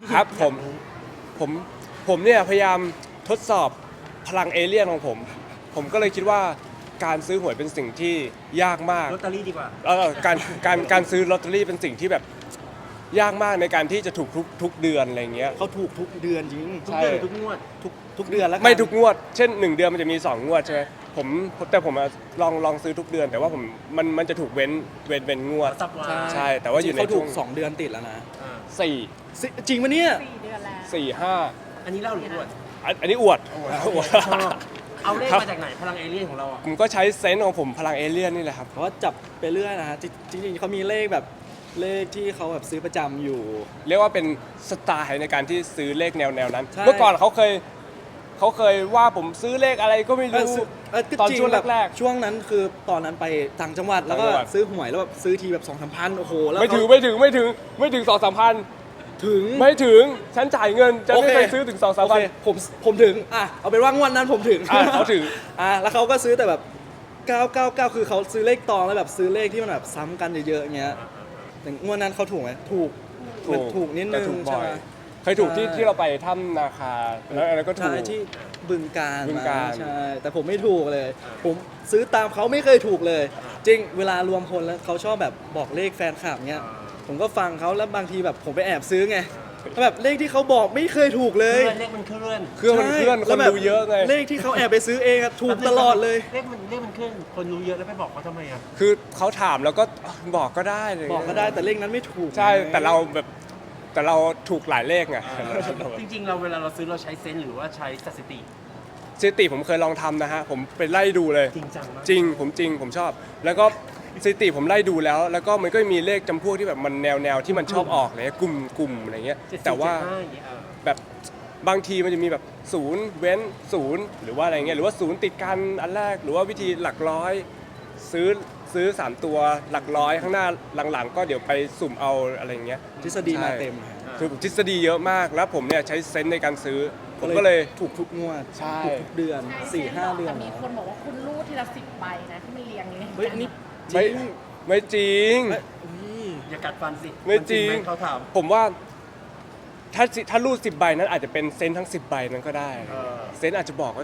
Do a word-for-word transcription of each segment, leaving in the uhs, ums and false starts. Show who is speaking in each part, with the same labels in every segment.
Speaker 1: ครับผมผมผมเนี่ยพยายามทดสอบพลังเอเลี่ยนของผมผมก็เลยคิดว่าการซื้อหวยเป็นสิ่งที่ยากมาก
Speaker 2: ลอตเตอรี่ดีกว่า
Speaker 1: เออการการการซื้อลอตเตอรี่เป็นสิ่งที่แบบยากมากในการที่จะถูกทุกทุกเดือนอะไรเงี้ย
Speaker 3: เขาถูกทุกเดือนจริง
Speaker 2: ทุกเดือนทุกงวด
Speaker 3: ทุกทุกเดือนแล้ว
Speaker 1: ไม่ทุกงวดเช่นหนึ่งเดือนมันจะมีสองงวดใช่ไหมผมแต่ผมลองลองซื้อทุกเดือนแต่ว่าผมมันมันจะถูกเว้นเว้นเว้นงวดใช่แต่ว่าอยู่ใน
Speaker 3: เขาถู
Speaker 1: ช่วง
Speaker 3: กสองเดือนติดแล้วนะ
Speaker 1: สี่
Speaker 3: จริงปะเนี่ย
Speaker 4: สี่เดือนแล้ว
Speaker 1: สี่ห้า
Speaker 2: อันนี้เล่าหรืออวด
Speaker 1: อันนี้อวดอวด
Speaker 2: เอาเลขมาจากไหนพลังเอเลี่ยนของเราอ่ะ
Speaker 1: ผมก็ใช้เซนส์ของผมพลังเอเลี่ยนนี่แหละครับ
Speaker 3: เขาจับไปเรื่อยนะฮะจริงๆเขามีเลขแบบเลขที่เขาแบบซื้อประจำอยู่
Speaker 1: เรียกว่าเป็นสไตล์ในการที่ซื้อเลขแนวแนวนั้นเมื่อก่อนเขาเคยเขาเคยว่าผมซื้อเลขอะไรก็ไม่รู้ตอนช่วงแรก
Speaker 3: ๆช่วงนั้นคือตอนนั้นไปต่างจังหวัดแล้วก็ซื้อหวยแล้วแบบซื้อทีแบบสองสามพันโอ้โหแล้ว
Speaker 1: ไม่ถึงไม่ถึงไม่ถึงไม่ถึงสองสามพัน
Speaker 3: ถึง
Speaker 1: ไม่ถึงฉันจ่ายเงินจะไม่เคยซื้อถึงสองสามพัน
Speaker 3: ผมผมถึงอ่ะเอาเป็นว่างวดนั้นผมถึง
Speaker 1: เขาถึง
Speaker 3: อ่ะแล้วเขาก็ซื้อแต่แบบเก้า เก้า เก้าคือเขาซื้อเลขตองแล้วแบบซื้อเลขที่มันแบบซ้ำกันเยอะๆอย่างเงี้ยแต่งวดนั้นเขาถูกไหมถูกถูกถูกนิดนึงใช่ไหม
Speaker 1: เคยถูกที่ที่เราไปถ้ำนาคาแล้วอะไรก็ถูก
Speaker 3: ที่บึงการ
Speaker 1: บึงการ
Speaker 3: ใช่แต่ผมไม่ถูกเลยผมซื้อตามเขาไม่เคยถูกเลยจริงเวลารวมพลแล้วเขาชอบแบบบอกเลขแฟนคลับเงี้ยผมก็ฟังเขาแล้วบางทีแบบผมไปแอบซื้อไงแบบเลขที่เขาบอกไม่เคยถูกเลย
Speaker 2: เลขมันเคลื่อน
Speaker 1: เครื่องมันเคลื่อนคนดูเยอะไง
Speaker 3: เลขที่เขาแอบไปซื้อเองถูกตลอดเลย
Speaker 2: เลขมันเลขมันเคลื่อนคนรู้เยอะแล้วไปบอกเขาทำไมอ่ะ
Speaker 1: คือเขาถามแล้วก็บอกก็ได้เลย
Speaker 3: บอกก็ได้แต่เลขนั้นไม่ถูก
Speaker 1: ใช่แต่เราแบบแต่เราถูกหลายเลขไง
Speaker 2: จริงๆเราเวลาเราซื้อเราใช้เซนส์หรือว่าใช้สถิติ
Speaker 1: สถิติผมเคยลองทำนะฮะผมไปไล่ดูเลย
Speaker 2: จริงจังมาก
Speaker 1: จริงผมจริงผมชอบแล้วก็สถิติผมไล่ดูแล้วแล้วก็มันก็มีเลขจำพวกที่แบบมันแนวแนวที่มันชอบออกเลยกลุ่มกลุ่มอะไรเงี้ยแต่ว่าแบบบางทีมันจะมีแบบศูนย์เว้นศูนย์หรือว่าอะไรเงี้ยหรือว่าศูนย์ติดกันอันแรกหรือว่าวิธีหลักร้อยซื้อซื้อสามตัวหลักร้อยข้างหน้าหลังๆก็เดี๋ยวไปสุ่มเอาอะไรเงี้ย
Speaker 3: ทฤษฎีมาเต็ม
Speaker 1: คือทฤษฎีเยอะมากแล้วผมเนี่ยใช้เซนส์ในการซื้อผมก็เลย
Speaker 3: ถูกทุกงวดถูกทุกเดือนสี่ห้าเดือน
Speaker 4: มีคนบอกว่าคุณรูดทีละสิบใบนะที่มันเรียงเลย
Speaker 3: เฮ้ยนี่
Speaker 1: ไม่ไม่จริง
Speaker 2: อย่ากัดฟันสิ
Speaker 1: ไม่จริง
Speaker 2: เขาถาม
Speaker 1: ผมว่าถ้าถ้ารูดสิบใบนั้นอาจจะเป็นเซนทั้งสิบใบนั้นก็ได้เซนอาจจะบอกว่า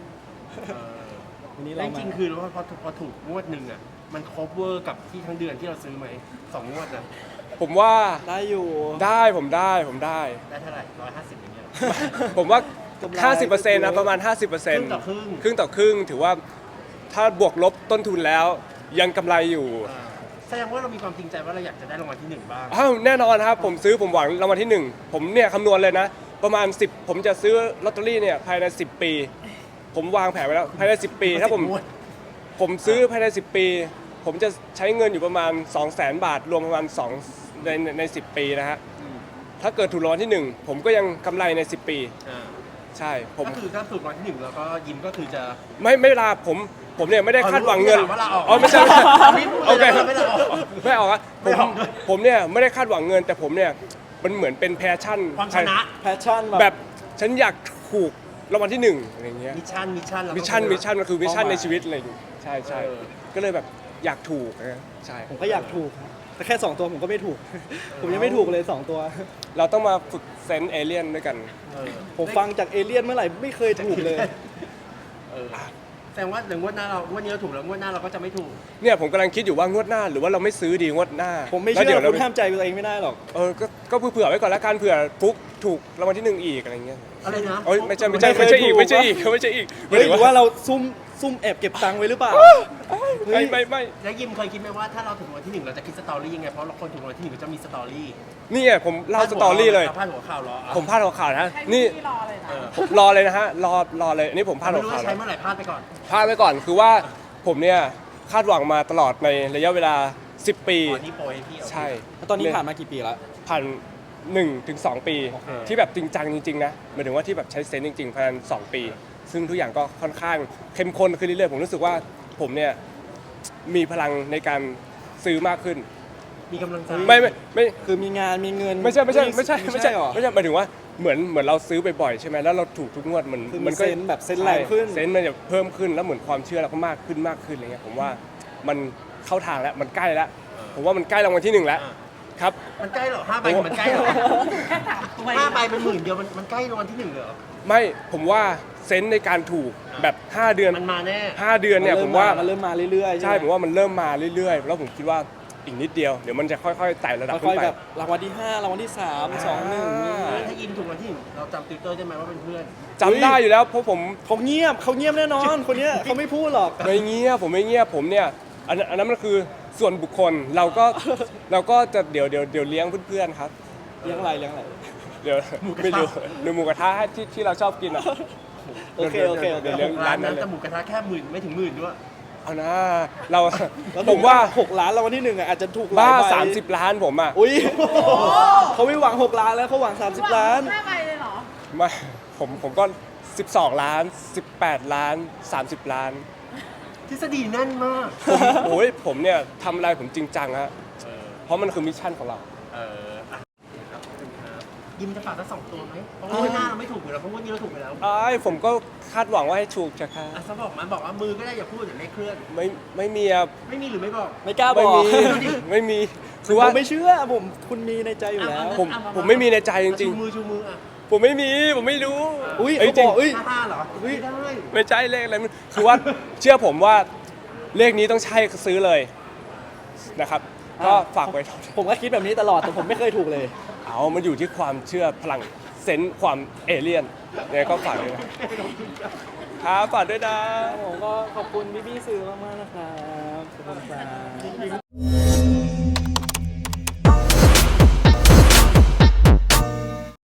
Speaker 2: วันนี้เราจริงคือว่าพอพอถูกงวดหนึ่งอ่ะมันครบเวอร์กับที่ทั้งเดือนที่เราซื้อไหมสองงวดนะ
Speaker 1: ผมว่า
Speaker 3: ได้อยู่
Speaker 1: ได้ผมได้ผมได้
Speaker 2: ได้เท่าไหร่ร้อยห้าสิบอย่างเงี้ย
Speaker 1: ผมว่าห้าสิบเปอร์เซ็นต์นะประมาณห้าสิบเปอร์เซ็นต์
Speaker 2: ครึ่งต่อครึ่ง
Speaker 1: ครึ่งต่อครึ่งถือว่าถ้าบวกลบต้นทุนแล้วยังกำไรอยู่
Speaker 2: แสดงว่าเรามีความจริงใจว่าเราอยากจะได้รางวัลที่หนึ่งบ้าง
Speaker 1: อ้าวแน่นอนครับผมซื้อผมหวังรางวัลที่หนึ่งผมเนี่ยคำนวณเลยนะประมาณสิบผมจะซื้อลอตเตอรี่เนี่ยภายในสิบปีผมวางแผนไว้แล้วภายในสิบปีถ้าผมผมซื้อภายในสิบปีผมจะใช้เงินอยู่ประมาณ สองแสน บาทรวมประมาณสองในในสิบปีนะฮะถ้าเกิดถูกรางวัลที่หนึ่งผมก็ยังกำไรในสิบปีใช่ผม
Speaker 2: ก็คือถ้าถูกรางวัลที่หนึ่งแล้วก็ยิ้มก็คือจะ
Speaker 1: ไม่ไม่ลาผมผมเนี่ยไม่ได้คาดหวังเงินอ๋อไม่ใช่โอเคไม่ออกครับผมผมเนี่ยไม่ได้คาดหวังเงินแต่ผมเนี่ยมันเหมือนเป็นแพชชั่น
Speaker 2: ความชนะ
Speaker 3: แพชชั่น
Speaker 1: แบบฉันอยากถูกรางวัลที่หนึ่งอะไรเงี้ย
Speaker 2: มิชชั่นมิชชั่น
Speaker 1: มิชชั่นมิชชั่นมันคือมิชชั่นในชีวิตอะไรอย่างเงี้ยใช่ใช่ก็เลยแบบอยากถูกนะใช่
Speaker 3: ผมก็อยากถูกแต่แค่สองตัวผมก็ไม่ถูกผมยังไม่ถูกเลยสองตัว
Speaker 1: เราต้องมาฝึกเซนส์เอเลี่ยนด้วยกัน
Speaker 3: ผมฟังจากเอเลี่ยนเมื่อไหร่ไม่เคยถูกเลย
Speaker 2: แต่ว่าหนึ่งงวดหน้าเรางวดนี้เราถูกแล้วงวดหน้าเราก็จะไม่ถูก
Speaker 1: เนี่ยผมกำลังคิดอยู่ว่างวดหน้าหรือว่าเราไม่ซื้อดีงวดหน้า
Speaker 3: ผมไม่เชื่อคุณห้ามใจตัวเองไม่ได้หรอก
Speaker 1: เออก็ก็เผื่อไว้ก่อนแล้วกันเผื่อฟุกถูกรางวัลที่หนึ่งอีกอะไรเงี้ย
Speaker 2: อะไรนะ
Speaker 1: โอ้ยไม่ใช่ไม่ใช่ไม่ใช่อีกไม่ใช่อีกไม่ใช่อีก
Speaker 3: หรือว่าเราซุ่มซุ่มแอบเก็บตังค์ไว้หรือเปล่า
Speaker 1: ไม่ไม่ไม่
Speaker 2: แล้วยิมเคยคิดไหมว่าถ้าเราถูกรางวัลที่หนึ่งเราจะคิดสตอรี่ยังไงเพราะเราคนถูกรางวัลที่หนึ่งจะมีสตอรี่
Speaker 1: นี่ไงผมเล่าสตอรี่เลย
Speaker 2: พาดหัวข่าวรอ
Speaker 1: ผมพาดหัวข่าวนะนี่ผมรอเลยนะฮะรอรอเลยอันนี้ผมพาดหัวข่าว
Speaker 2: ใช้เมื่อไหร่พลาดไปก่อน
Speaker 1: พลาดไปก่อนคือว่าผมเนี่ยคาดหวังมาตลอดในระยะเวลาสิบปีใช่
Speaker 3: ตอนนี้ผ่านมากี่ปีแล้ว
Speaker 1: ผ่านหนึ่งถึงสองปีที่แบบจริงจังจริงๆนะหมายถึงว่าที่แบบใช้เซนส์จริงๆภายในสองปีซึ่งทุกอย่างก็ค่อนข้างเข้มข้นขึ้นเรื่อยๆผมรู้สึกว่าผมเนี่ยมีพลังในการซื้อมากขึ้น
Speaker 2: มีกำลังใจ
Speaker 1: ไม่ไม่ไม่
Speaker 3: คือมีงานมีเงิน
Speaker 1: ไม่ใช่ไม่ใช่ไม่ใช่ไม่ใช่ไม่ใช่หมายถึงว่าเหมือนเหมือนเราซื้อบ่อยๆใช่ไหมแล้วเราถูกทุกงวดมัน
Speaker 3: มันก็เซนแบบเซนแรงขึ้น
Speaker 1: เซนมันจะเพิ่มขึ้นแล้วเหมือนความเชื่อเราก็มากขึ้นมากขึ้นอะไรเงี้ยผมว่ามันเข้าทางแล้วมันใกล้แล้วผมว่ามันใกล้รางวัลที่หนึ่งแล้วครับ
Speaker 2: มันใกล้เหรอห้าใบมันใกล้เหรอ
Speaker 4: แค่ถามตัว
Speaker 2: ห้าใบเป็นหมื่นเดียวมันมันใกล้รางวัลที่หนึ่งเลยเหรอ
Speaker 1: ไม่ผมว่าเซนส์ในการถูกแบบ ห้า เดือน
Speaker 2: มันมาแน่
Speaker 1: ห้าเดือนเนี่ยผมว่า
Speaker 3: มันเริ่มมาเรื่อยๆ
Speaker 1: ใช่
Speaker 3: ไห
Speaker 1: ผมว่ามันเริ่มมาเรื่อยๆ แล้วผมคิดว่าอีกนิดเดียวเดี๋ยวมันจะค่อยๆไต่ระดับ
Speaker 3: ค่
Speaker 1: ขึ้
Speaker 3: อย
Speaker 1: น
Speaker 3: ๆ
Speaker 1: ไป
Speaker 3: แบบรางวัลที่ห้ารางวัลที่สามสองหนึ่ง
Speaker 2: ถ้าอินถูกรางวัลที่หนึ่งเราจำติวเตอร์ได้ไหมว่าเป็นเพื่อน
Speaker 1: จำได้อยู่แล้วเพราะผม
Speaker 3: เขาเงียบเขาเงียบแน่นอน คนเนี้ยเขาไม่พูดหรอก
Speaker 1: ไม่เงียบผมไม่เงียบผมเนี่ยอันนั้นอันนั้นมันคือส่วนบุคคลเราก็เราก็จะเดี๋ยวเดี๋ยวเดี๋ยวเลี้ยงเพื่อนๆครับ
Speaker 3: เลี้ยงอะไรเลี้ยงอะไร
Speaker 1: เดี๋ยวไม่รู้หรือหมูกระทะที่ที่เราชอบกินอ่ะ
Speaker 3: โอเคโอเคโอเค
Speaker 1: เดี๋ยวเลี้ยง
Speaker 2: ร้า
Speaker 1: ร้าน น
Speaker 2: นั้
Speaker 1: นั้น นเลย
Speaker 2: แต่หมูกระทะแค่หมื่นไม่ถึงหมื่นด้วย
Speaker 1: เอานะเรา
Speaker 3: แล้ว
Speaker 1: ผมว่า
Speaker 3: หกล้านรางวัลที่หนึ่งอ่ะอาจจะถูกหลย
Speaker 1: บ้า
Speaker 3: ใบ
Speaker 1: สามสิบล้านผมอ่ะ
Speaker 3: อุ้ยเขาไม่หวังหกล้านแล้วเขาหวังสามสิบล้าน
Speaker 4: ห้าใบเลยเหรอ
Speaker 1: ไม่ผมผมก็สิบสองล้านสิบแปดล้านสามสิบล้าน
Speaker 2: ทฤษฎีแน่นมาก
Speaker 1: ผมโอ้ยผมเนี่ยทำอะไรผมจริงจังฮะเพราะมันคือมิชชั่นของเรา
Speaker 2: เอออ่ะครับขอบคุณครับยิมจะฝากทั้งสองตัวไหมเพราะว่าวันหน้าเราไม่ถูกอยู่แล้วเพราะว่านี้เราถูกไปแล้ว
Speaker 1: ไอ้ายผมก็คาดหวังว่าให้ถูกจะค่ะ
Speaker 2: อ่ะซะบอกมันบอกว่ามือก็ได้อย่าพูดอย่าเลขเคลื่อน
Speaker 1: ไม่ไม่มีอะ
Speaker 2: ไม่มีหรือไม่บอก
Speaker 3: ไม่กล้าบ
Speaker 1: ไม่
Speaker 3: อก
Speaker 1: มีไม่มีคือว่า
Speaker 3: ผมไม่เชื่อผมคุณมีในใจอยู่แล้ว
Speaker 1: ผมผมไม่มีในใจจริง
Speaker 2: ชูมือชูมืออ่ะ
Speaker 1: ๆ ผมไม่มีผมไม่รู้
Speaker 3: อุ้ย
Speaker 1: เอ้ย
Speaker 3: เขา
Speaker 1: จริ
Speaker 3: บ
Speaker 1: ง
Speaker 3: อกอุ้ย
Speaker 2: ห้าห้าเหรอไม่ได้
Speaker 1: ไม่ใช่เลขอะไรมันคือว่าเชื่อผมว่าเลขนี้ต้องใช่ซื้อเลยนะครับ ก็ฝากไว้
Speaker 3: ผมก็คิดแบบนี้ตลอดแต่ผมไม่เคยถูกเลย
Speaker 1: เอามันอยู่ที่ความเชื่อพลังเซนส์ความเอเลี่ยนเนี่ยก็ฝากด้วยนะครับฝากด้วยนะ
Speaker 3: ผมก็ขอบคุณพี่ๆสื่อมากๆนะครับขอบคุณครับ